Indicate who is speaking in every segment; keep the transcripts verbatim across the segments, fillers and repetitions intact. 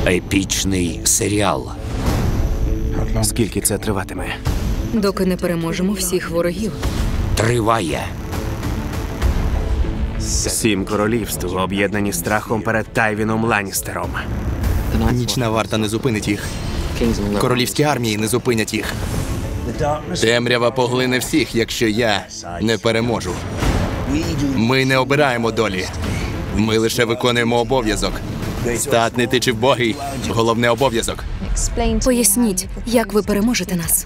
Speaker 1: Епічний серіал.
Speaker 2: Скільки це триватиме?
Speaker 3: Доки не переможемо всіх ворогів.
Speaker 1: Триває.
Speaker 2: Сім королівств, об'єднані страхом перед Тайвіном Ланністером.
Speaker 4: Нічна варта не зупинить їх. Королівські армії не зупинять їх. Темрява поглине всіх, якщо я не переможу. Ми не обираємо долі. Ми лише виконуємо обов'язок. Статний ти чи вбогий – головне обов'язок.
Speaker 3: Поясніть, як ви переможете нас.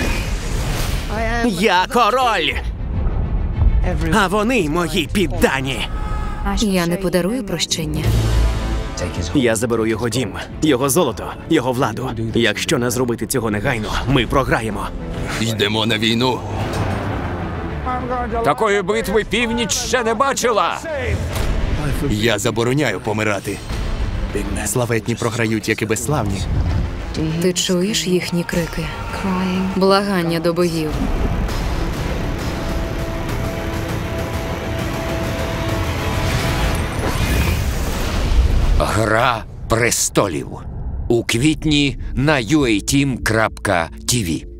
Speaker 2: Я король! А вони мої піддані.
Speaker 3: Я не подарую прощення.
Speaker 2: Я заберу його дім, його золото, його владу. Якщо не зробити цього негайно, ми програємо.
Speaker 4: Йдемо на війну.
Speaker 1: Такої битви північ ще не бачила.
Speaker 4: Я забороняю помирати. Славетні програють, як і безславні.
Speaker 3: Ти чуєш їхні крики? Благання до богів.
Speaker 1: Гра престолів. У квітні на ю ей тім крапка ті ві.